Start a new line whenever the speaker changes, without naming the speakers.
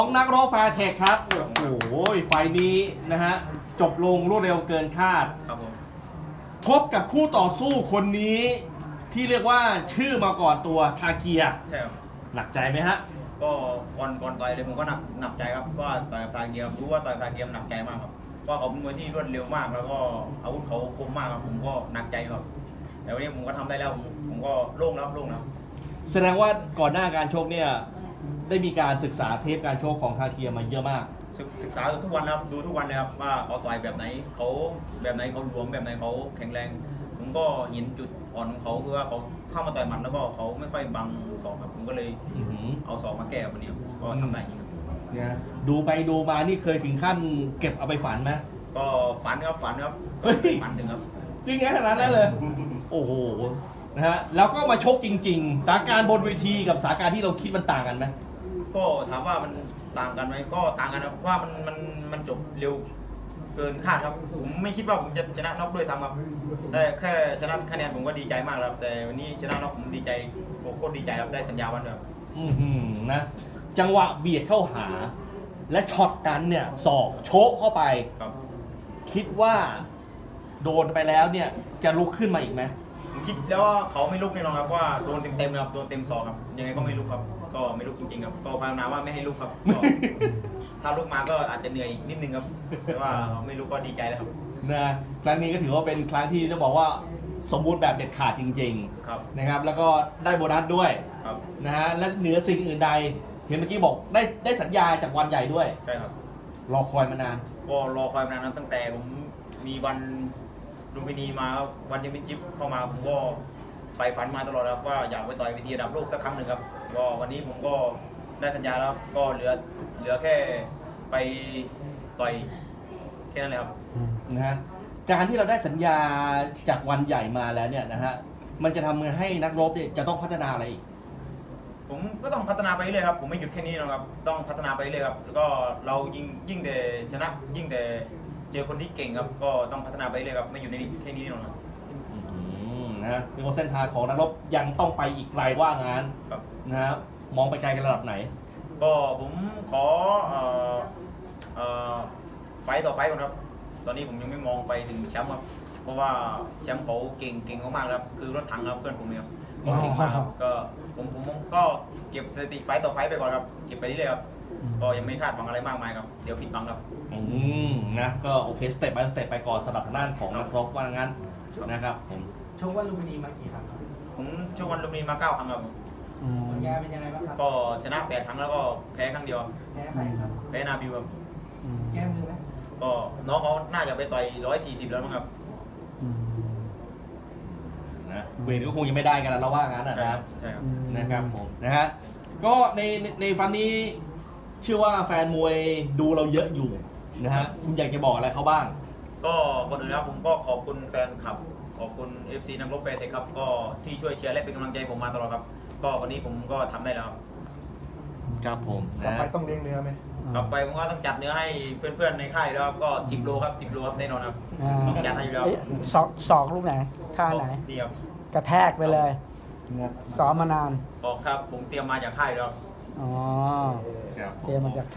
ของนักร้องแฟร์เทคครับโอ้โหไฟนี้นะฮะจบลงรวดเร็วเกินคาด
ครับผม
พบกับคู่ต่อสู้คนนี้ที่เรียกว่าชื่อมาก่อนตัวทาเกีย
ใช่ครับ
หนักใจไหมฮะ
ก็ก่อนต่อยเลยผมก็หนักใจครับเพราะว่าต่อยกับทาเกียรู้ว่าต่อยกับทาเกียหนักใจมากครับเพราะเขาเป็นมวยที่รวดเร็วมากแล้วก็อาวุธเขาคมมากครับผมก็หนักใจครับแต่วันนี้ผมก็ทำได้แล้วผมก็โล่งแล้ว
แสดงว่าก่อนหน้าการชกเนี่ยได้มีการศึกษาเทปการชกของทาเกียมาเยอะมาก
ศึกษาทุกวันครับดูทุกวันเลยครับว่าเขาต่อยแบบไหนเขาหลวมแบบไหนเขาแข็งแรงผมก็เห็นจุดอ่อนของเขาคือว่าเขาเข้ามาต่อยหมัดแล้วก็เขาไม่ค่อยบังศอกครับผมก็เลยเอาศอกมาแก้วันนี้ก็ทำได้จริง
เนี่ยดูไปดูมานี่เคยถึงขั้นเก็บเอาไปฝันไหม
ก็ฝันครับฝันถึงครับ
จริงไงขนาดนั้นเลยโอ้โหนะฮะแล้วก็มาชกจริงๆสถานการณ์บนเวทีกับสถานการณ์ที่เราคิดมันต่างกันไหม
ก็ถามว่ามันต่างกันไหมก็ต่างกันครับว่ามันจบเร็วเกินคาดครับผมไม่คิดว่าผมจะชนะน็อกด้วยซ้ำครับแต่แค่ชนะคะแนนผมก็ดีใจมากครับแต่วันนี้ชนะน็อกผมดีใจผมโคตรดีใจครับได้สัญญาวันเดียว
นะจังหวะเบียดเข้าหาและช็อตนั้นเนี่ยศอกโชกเข้าไป
ครับ
คิดว่าโดนไปแล้วเนี่ยจะลุกขึ้นมาอีกไหม
ผมคิดแล้วว่าเขาไม่ลุกแน่นอนครับว่าโดนเต็มครับโดนเต็มศอกครับยังไงก็ไม่ลุกครับก็ไม่ลุกจริงๆครับก็ภาวนาว่าไม่ให้ลุกครับถ้าลุกมาก็อาจจะเหนื่อยอีกนิดนึงครับแต่ว่าไม่ลุกก็ดีใจแล้วครับ
นะครั้งนี้ก็ถือว่าเป็นครั้งที่ต้องบอกว่าสมบูรณ์แบบเด็ดขาดจริงๆ
ครับ
นะครับแล้วก็ได้โบนัสด้วย
ครับ
นะฮะและเหนือสิ่งอื่นใดเห็นเมื่อกี้บอกได้สัญญาจากวันใหญ่ด้วย
ใช่ครับ
รอคอยมานาน
ก็รอคอยมานานตั้งแต่ผมมีวันลุมพินีมาวันแชมเปี้ยนชิพเข้ามาผมก็ใฝ่ฝันมาตลอดครับว่าอยากไปต่อยเวทีระดับโลกสักครั้งหนึ่งครับก็วันนี้ผมก็ได้สัญญาแล้วก็เหลือแค่ไปต่อยแค่นั้นเลยครับ
นะฮะการที่เราได้สัญญาจากวันใหญ่มาแล้วเนี่ยนะฮะมันจะทำให้นักรบเนี่ยจะต้องพัฒนาอะไรอีก
ผมก็ต้องพัฒนาไปเรื่อยครับผมไม่หยุดแค่นี้นะครับต้องพัฒนาไปเรื่อยครับแล้วก็เรายิ่งแต่ชนะยิ่งแต่เจอคนที่เก่งครับก็ต้องพัฒนาไปเรื่อยครับไม่อยู่ในแค่นี้หรอกครับ
นะมีเส้นทางของนักรบยังต้องไปอีกไกลว่างานนะฮะมองไปไกลกันระดับไหน
ก็ผมขอไฟต่อไฟก่อนครับตอนนี้ผมยังไม่มองไปถึงแชมป์ครับเพราะว่าแชมป์เขาเก่งมากๆครับคือรถถังครับเพื่อนผมเนี่ยก็เก่งมากครับก็ผมก็เก็บสถิติไฟต่อไฟไปก่อนครับเก็บไปเรื่อยๆครับก็ยังไม่คาดหวังอะไรมากมายครับเดี๋ยวผิดหวังครับ
นะก็โอเคสเต็ปbyสเต็ปไปก่อนสำหรับทางด้านของนักรบว่างั้นนะครับผม
ชกวันลุมพินีมากี่ครั้งครับ
ผมชกวันลุมพินีมา9 ครั้งครับ
ผลงานเป็นยังไงบ้างครับ
ก็ชนะ8 ครั้งแล้วก็แพ้ครั้งเดียว
แพ้ใครครับ
แพ้นาบิวครับ
แก้มือไหม
ก็น้องเขาน่าจะไปต่อย140แล้วมั้งครับ
นะเวทก็คงยังไม่ได้กันแล้วเราว่างั้นนะครับ
ใช่ครับ
นะครับผมนะฮะก็ในฟันนี้เชื่อว่าแฟนมวยดูเราเยอะอยู่นะฮะคุณอยากจะบอกอะไรเขาบ้าง
ก็ก่อนอื่นนะครับผมก็ขอบคุณแฟนคลับขอบคุณ FC นักรบแฟร์เทคครับก็ที่ช่วยเชียร์และเป็นกำลังใจผมมาตลอดครับก็วันนี้ผมก็ทำได้แล้ว
ครับผม
กลับไปต้องเลี้ยงเนื้อไหม
กลับไปผมก็ต้องจัดเนื้อให้เพื่อนๆในค่ายแล้วครับก็10 โลครับ10 โลครับแน่นอนครับต้องจัดให้อยู่แล้ว
ศอกลูกไหนท่าไหน
ดีครับ
กระแทกไปเลยซ้อมมานาน
ศอกครับผมเตรียมมาจากค่ายแล้ว
อ๋อเตรียมมาจาก